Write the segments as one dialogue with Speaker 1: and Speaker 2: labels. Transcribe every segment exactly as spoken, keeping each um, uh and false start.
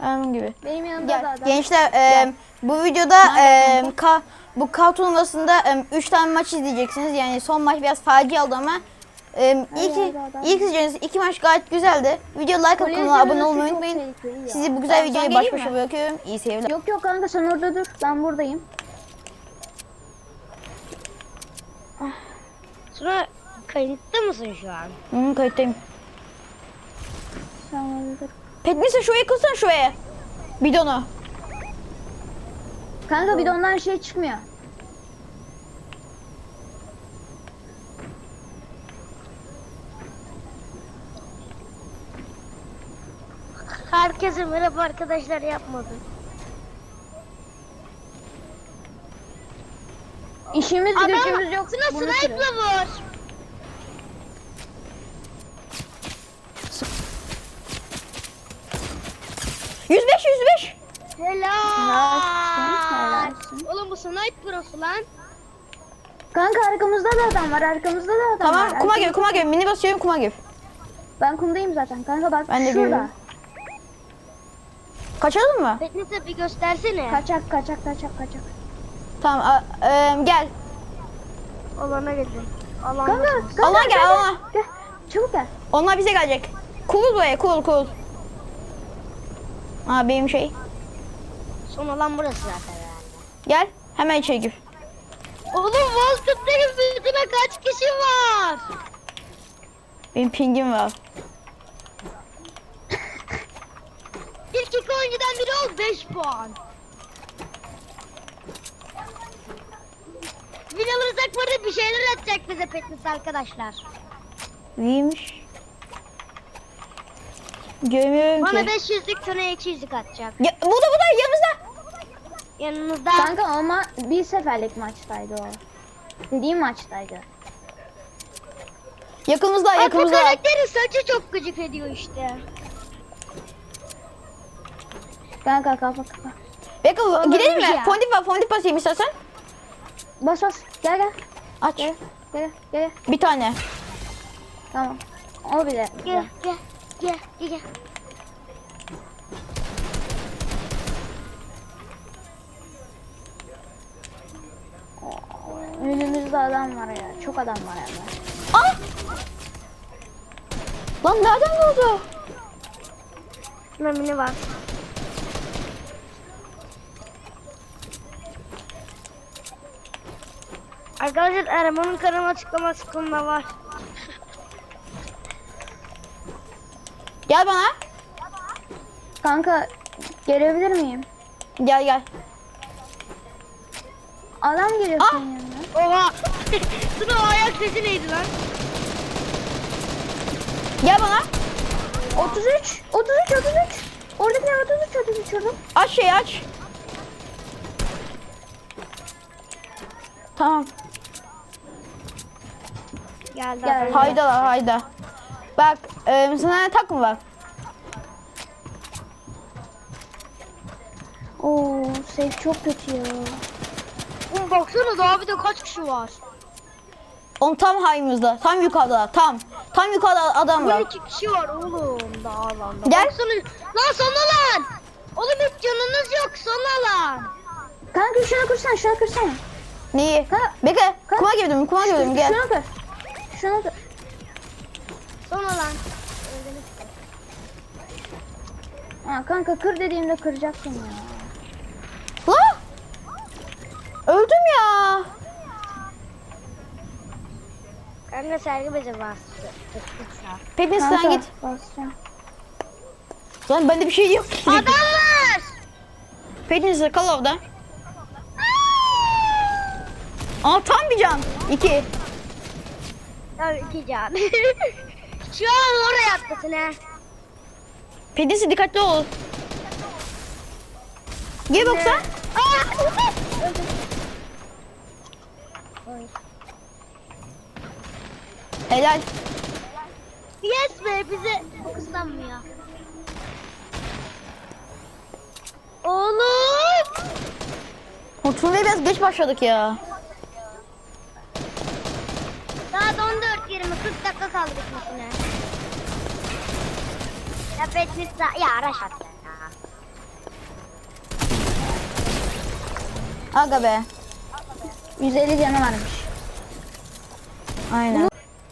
Speaker 1: Anam gibi.
Speaker 2: Benim yanımda
Speaker 1: Gel.
Speaker 2: da adam.
Speaker 1: Gençler e, bu videoda e, ka, bu K turnuvasında üç tane maç izleyeceksiniz. Yani son maç biraz facia oldu ama e, ilk,
Speaker 2: hadi adam.
Speaker 1: ilk izleyeceğiniz iki maç gayet güzeldi. Video like atıp
Speaker 2: Kolye
Speaker 1: kanala abone
Speaker 2: izlemesi
Speaker 1: olmayı
Speaker 2: çok
Speaker 1: unutmayın.
Speaker 2: tehlikeli ya.
Speaker 1: Sizi bu güzel
Speaker 3: Ben
Speaker 1: videoyu
Speaker 3: sana
Speaker 1: baş
Speaker 3: geleyim
Speaker 1: başa
Speaker 3: mi?
Speaker 1: bırakıyorum. İyi seyirler.
Speaker 2: Yok yok kanka sen orada dur. Ben buradayım.
Speaker 3: Sonra kayıtta mısın şu an?
Speaker 1: Hı, kayıttayım.
Speaker 2: Sen orada dur.
Speaker 1: Petnise şuraya kılsana şuraya. Bidonu.
Speaker 2: Kanka bir de ondan şey çıkmıyor.
Speaker 3: Herkese merhaba arkadaşlar, yapmadım.
Speaker 2: İşimiz
Speaker 3: Adam
Speaker 2: gücümüz yok.
Speaker 3: şuna
Speaker 2: bunu
Speaker 3: sniper'la
Speaker 2: sürüyor.
Speaker 3: vur.
Speaker 1: yüz beş yüz beş.
Speaker 2: Helalsin,
Speaker 3: Helal.
Speaker 2: helalsin.
Speaker 3: Oğlum bu sniper prosu lan.
Speaker 2: Kanka arkamızda da adam var. Arkamızda da adam var.
Speaker 1: Tamam kuma
Speaker 2: Arkamızda-
Speaker 1: gir kuma gir. Mini basıyorum kuma gir.
Speaker 2: Ben kumdayım zaten. Kanka bak
Speaker 1: Ben de
Speaker 2: şurada.
Speaker 1: görüyorum. Kaçalım mı?
Speaker 3: Teknise bir göstersene.
Speaker 2: Kaçak kaçak kaçak kaçak.
Speaker 1: Tamam a, e, gel.
Speaker 3: Alana gidin. Alan.
Speaker 2: Kanka, kanka
Speaker 1: Allah gel Allah.
Speaker 2: Gel. Çabuk gel.
Speaker 1: Onlar bize gelecek. Kurul buraya kurul kurul. Aa benim şey.
Speaker 3: Son alan burası zaten herhalde.
Speaker 1: Gel hemen içeri gir.
Speaker 3: Oğlum Wolfenstein'in bütüne kaç kişi var?
Speaker 1: Benim pingim var.
Speaker 3: İlk iki oyuncudan biri ol, beş puan. Win alırsak var, bir şeyler atacak bize Petness arkadaşlar.
Speaker 1: İyiymiş. Görmüyorum
Speaker 3: Bana
Speaker 1: ki.
Speaker 3: beş yüzlük, sana iki yüzlük atacak.
Speaker 1: Ya, burada burada yanımızda.
Speaker 3: Yanınızda.
Speaker 2: Kanka ama bir seferlik maçtaydı o. Dediğim maçtaydı.
Speaker 1: Yakınımızda
Speaker 3: Aa, bu
Speaker 1: yakınımızda.
Speaker 3: karakterin saçı çok gıcık ediyor işte.
Speaker 2: Kanka kafa kafa.
Speaker 1: Bekle gidelim mi?
Speaker 3: ya.
Speaker 1: Fondip var fondip basayım istersen.
Speaker 2: Bas bas. Gel gel.
Speaker 1: Aç.
Speaker 2: Gel gel gel.
Speaker 1: Bir tane.
Speaker 2: Tamam. O bile.
Speaker 3: Gel gel gel gel. gel.
Speaker 2: Önümüzde adam var ya. Çok adam var yani.
Speaker 1: Ah! Lan nereden vurdu?
Speaker 3: Memini var. Arkadaşlar Erman'ın kanal açıklaması kısmında var.
Speaker 1: Gel bana.
Speaker 2: Kanka gelebilir miyim?
Speaker 1: Gel gel.
Speaker 2: Adam geliyor
Speaker 1: Ah!
Speaker 2: senin yanına.
Speaker 3: Oha! Şuna o ayak sesi neydi lan?
Speaker 1: Gel bana.
Speaker 2: otuz üç. otuz üç otuz üç. Oradakiler otuz üç otuz üç orada.
Speaker 1: Aç şeyi aç. Tamam.
Speaker 3: Geldi.
Speaker 2: Gel.
Speaker 3: adam.
Speaker 1: Hayda la hayda. Bak e, sana tak mı var?
Speaker 2: Oo, safe çok kötü ya.
Speaker 3: Oğlum baksana daha bir de kaç kişi var?
Speaker 1: On tam hayımızda. Tam yukarıda. Tam. Tam yukarıda adam
Speaker 3: on
Speaker 1: var.
Speaker 3: iki kişi var oğlum daha alanda.
Speaker 1: Gel.
Speaker 3: Baksana. Lan son alan! Oğlum hiç canınız yok, son alan.
Speaker 2: Kanka şuna kırsana şuna kırsana.
Speaker 1: Neyi?
Speaker 2: Ha.
Speaker 1: Bekle.
Speaker 2: Ha.
Speaker 1: Kuma girdim. Kuma girdim. Gel.
Speaker 2: Şuna kır. Şuna kır.
Speaker 3: Son alan.
Speaker 2: Ha, kanka kır dediğimde kıracaksın ya.
Speaker 1: La! Öldüm ya.
Speaker 3: Kanka sergi beze bas.
Speaker 1: Peki
Speaker 2: Kanka,
Speaker 1: sen git.
Speaker 2: basacağım.
Speaker 1: Lan bende bir şey yok ki.
Speaker 3: Adam var!
Speaker 1: Peki kal orada. Aa tam bir can. İki.
Speaker 3: Tabii iki can. Şu an oraya atlasın ha.
Speaker 1: Pedisi dikkatli ol. Gel boksa.
Speaker 3: Aa! Öldüm. Oy.
Speaker 1: Helal.
Speaker 3: Yes be, bize fokuslanmıyor. Oğlum!
Speaker 1: Oturmaya biraz geç başladık ya.
Speaker 3: Saat on dört yirmi, kırk dakika kaldı bitmesine. Ya Petness ya araç attı ya.
Speaker 1: Aga be.
Speaker 2: yüz elli canı varmış.
Speaker 1: Aynen.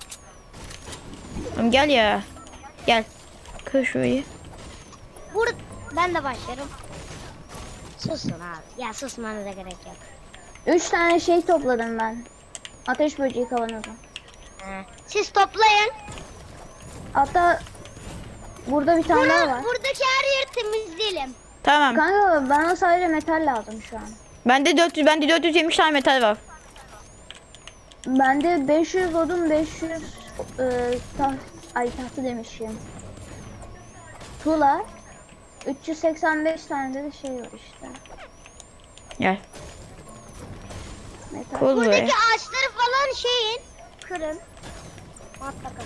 Speaker 1: Oğlum gel ya. Gel. Kır şurayı.
Speaker 3: Burada ben de başlarım. Susun abi. Ya susmanıza gerek yok.
Speaker 2: Üç tane şey topladım ben. Ateş böceği kavanozu.
Speaker 3: He. Siz toplayın.
Speaker 2: Hatta burada bir tane daha
Speaker 3: Bunu,
Speaker 2: var.
Speaker 3: buradaki her yeri temizleyelim.
Speaker 1: Tamam.
Speaker 2: Kanka bana sadece metal lazım şu an.
Speaker 1: Bende dört yüz bende dört yüz yetmiş tane metal var.
Speaker 2: Bende beş yüz odun, beş yüz e, taht, ay tahtı demişim. Tuğla. üç yüz seksen beş tane de şey var işte.
Speaker 1: Gel.
Speaker 2: Metal.
Speaker 1: Koy buraya.
Speaker 3: Buradaki ağaçları falan şeyin. Kırın. Mutlaka.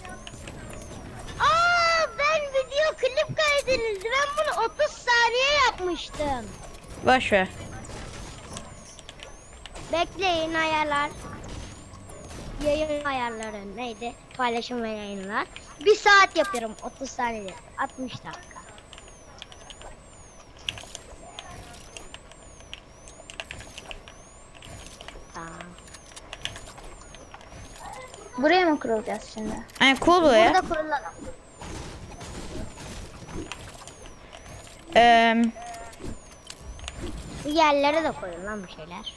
Speaker 3: Aa, ben video klip kaydedildi. Ben bunu otuz saniye yapmıştım.
Speaker 1: Boş ver.
Speaker 3: Bekleyin ayarlar. Yayın ayarları neydi? Paylaşım ve yayınlar. Bir saat yapıyorum otuz saniye. altmış dakika. Tamam.
Speaker 2: Buraya mı kurulacağız şimdi?
Speaker 1: Yani cool buraya.
Speaker 3: Burada kurulalım.
Speaker 1: Ee,
Speaker 3: Bu yerlere de koyun lan bir şeyler.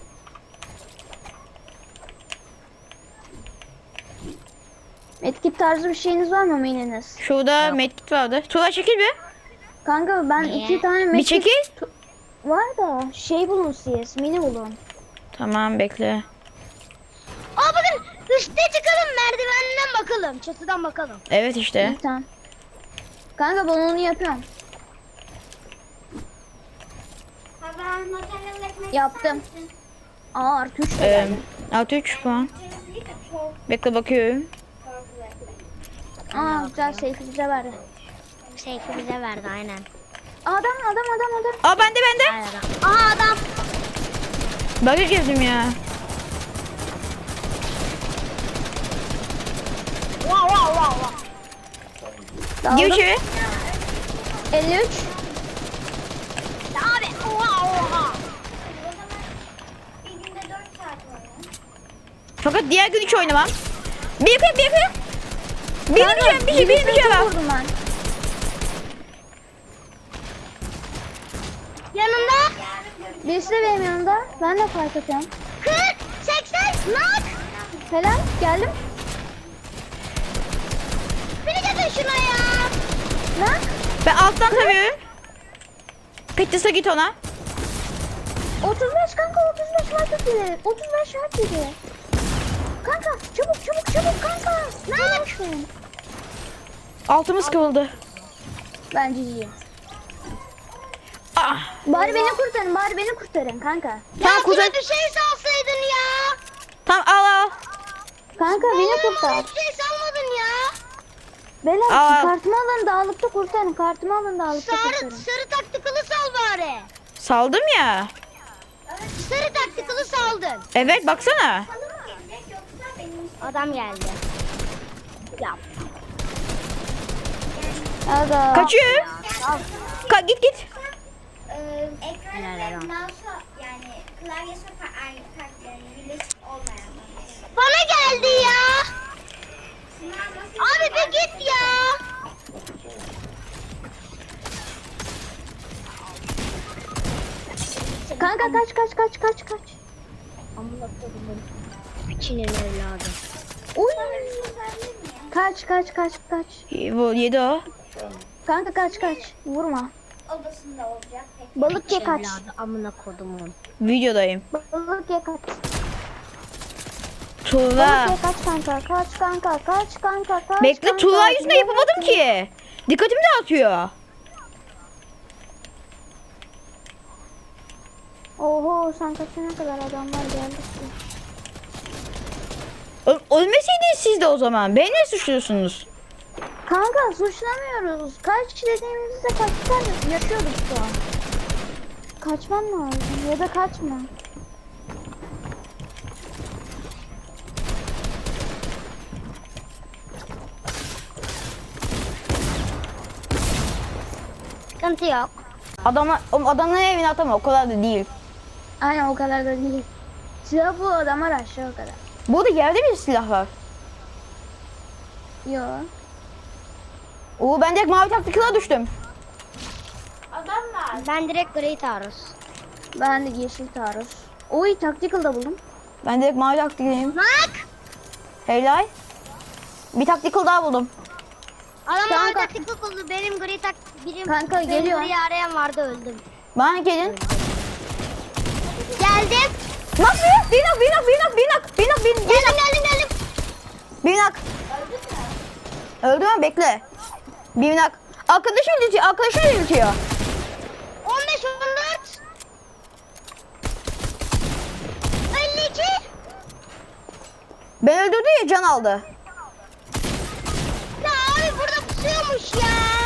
Speaker 2: Medkit tarzı bir şeyiniz var mı mininiz?
Speaker 1: şurada medkit vardı. Tuğla çekil bir.
Speaker 2: Kanka ben
Speaker 3: Niye?
Speaker 2: iki tane
Speaker 1: Bir
Speaker 2: medkit
Speaker 1: çekil.
Speaker 2: tu- var da şey bulun siz, mini bulun.
Speaker 1: Tamam bekle.
Speaker 3: Aa bakın üstte çıkalım merdivenden bakalım. Çatıdan bakalım.
Speaker 1: Evet işte.
Speaker 2: İyi tamam. Kanka ben onu yapıyorum. Yaptım. Aa artı üç de
Speaker 1: Ee,
Speaker 2: geldi.
Speaker 1: altı üç puan. Bekle bakıyorum.
Speaker 2: Aa güzel seyfi bize verdi.
Speaker 3: Seyfi bize verdi aynen.
Speaker 2: Adam adam adam adam.
Speaker 1: Aa bende bende.
Speaker 3: Aynen. Aa adam.
Speaker 1: Bug'a girdim ya.
Speaker 3: Wow wow wow wow.
Speaker 1: Gir
Speaker 2: Daldım.
Speaker 1: içeri.
Speaker 2: elli üç.
Speaker 3: Abi oha oha.
Speaker 1: Fakat diğer gün hiç oynamam. Bir kere bir kere. Bir
Speaker 2: Kanka,
Speaker 1: bir şey bir bir
Speaker 2: birisine
Speaker 1: şey
Speaker 2: çok
Speaker 1: var.
Speaker 2: vurdum ben.
Speaker 3: Yanında
Speaker 2: Birisi de benim yanımda. Ben de fark atıyorum.
Speaker 3: kırk seksen nak.
Speaker 2: Helal geldim.
Speaker 3: Beni getir şuna ya.
Speaker 2: Lan.
Speaker 1: Ben alttan tabiyorum. Petis'e git ona.
Speaker 2: otuz beş kanka otuz beş var dedi. otuz beş var dedi. Kanka çabuk çabuk çabuk kanka. Lan.
Speaker 1: Altımız kıvıldı.
Speaker 2: Bence iyi.
Speaker 1: Ah.
Speaker 2: Bari beni kurtarın bari beni kurtarın kanka.
Speaker 1: Tamam
Speaker 3: Ya
Speaker 1: kuzen.
Speaker 3: bir şey salsaydın ya.
Speaker 1: Tamam al al.
Speaker 2: Kanka beni
Speaker 3: Oğlum,
Speaker 2: kurtar.
Speaker 3: hiçbir şey salmadın ya.
Speaker 2: Beyler
Speaker 1: Aa.
Speaker 2: kartımı alın dağlıkta kurtarın. Kartımı alın dağlıkta
Speaker 3: Sarı,
Speaker 2: kurtarın.
Speaker 3: sarı taktikalı sal bari.
Speaker 1: Saldım ya.
Speaker 3: Sarı taktikalı saldın.
Speaker 1: Evet baksana.
Speaker 3: Adam geldi. Ya.
Speaker 2: Aga.
Speaker 1: Kaçıyor. Ka git git.
Speaker 4: Ee, ekran
Speaker 3: Helal
Speaker 4: ve
Speaker 3: olsun.
Speaker 4: mouse yani klavyesi fa- aynı fark yani birleşik olmayan.
Speaker 3: Bana geldi ya.
Speaker 4: Sınav nasıl?
Speaker 3: Abi bir git ya.
Speaker 2: Kanka kaç kaç kaç kaç kaç.
Speaker 3: Piçinin evladı.
Speaker 2: Uy. Kaç kaç kaç kaç.
Speaker 1: Bu yedi o.
Speaker 2: Kanka kaç kaç. Vurma.
Speaker 4: Odasında olacak. Peki.
Speaker 2: Balık ye kaç.
Speaker 3: Evladı amına kodumun.
Speaker 1: Videodayım.
Speaker 2: Balık ye kaç.
Speaker 1: Tuğla.
Speaker 2: Balık ye kaç kanka. Kaç kanka. Kaç kanka. Kaç
Speaker 1: Bekle
Speaker 2: kanka.
Speaker 1: Tuğla yüzünden yapamadım ki. Dikkatimi dağıtıyor.
Speaker 2: Oho sen kaçına kadar adamlar geldi ki.
Speaker 1: Ö- Ölmeseydiniz siz de o zaman. Beni ne suçluyorsunuz?
Speaker 2: Kanka suçlamıyoruz. Kaç dediğimizde kaçtan yaşıyorduk şu an. Kaçman lazım ya da kaçma.
Speaker 3: Sıkıntı yok.
Speaker 1: Adamlar, oğlum adamların evine atama o kadar da değil.
Speaker 2: Aynen o kadar da değil. Silah bu adamlar aşağı o kadar.
Speaker 1: Burada yerde bir silah var.
Speaker 2: Yo.
Speaker 1: Oo ben direkt mavi taktikala düştüm.
Speaker 4: Adamlar.
Speaker 3: Ben direkt gri taarruz.
Speaker 2: Ben de yeşil taarruz. Oy tactical da buldum.
Speaker 1: Ben direkt mavi taktikalıyım.
Speaker 3: Bak!
Speaker 1: Helal. Bir taktikal daha buldum.
Speaker 3: Adam
Speaker 2: Kanka.
Speaker 3: mavi taktik oldu. Benim gri tak... Birim,
Speaker 2: Kanka,
Speaker 3: benim
Speaker 2: geliyor.
Speaker 3: gri arayan vardı öldüm.
Speaker 1: Bana gelin.
Speaker 3: Geldim.
Speaker 1: Bak bir, bir nak, bir nak, bir nak, bir nak, bir nak, bir nak,
Speaker 3: Geldim geldim geldim.
Speaker 1: bir nak. Öldü mü? Bekle. Bir nak. Arkadaşı öldürtüyor, arkadaşı öldürtüyor.
Speaker 3: on beş on dört. elli iki.
Speaker 1: Ben öldürdü ya can aldı.
Speaker 3: Ya abi burada pusuyormuş ya.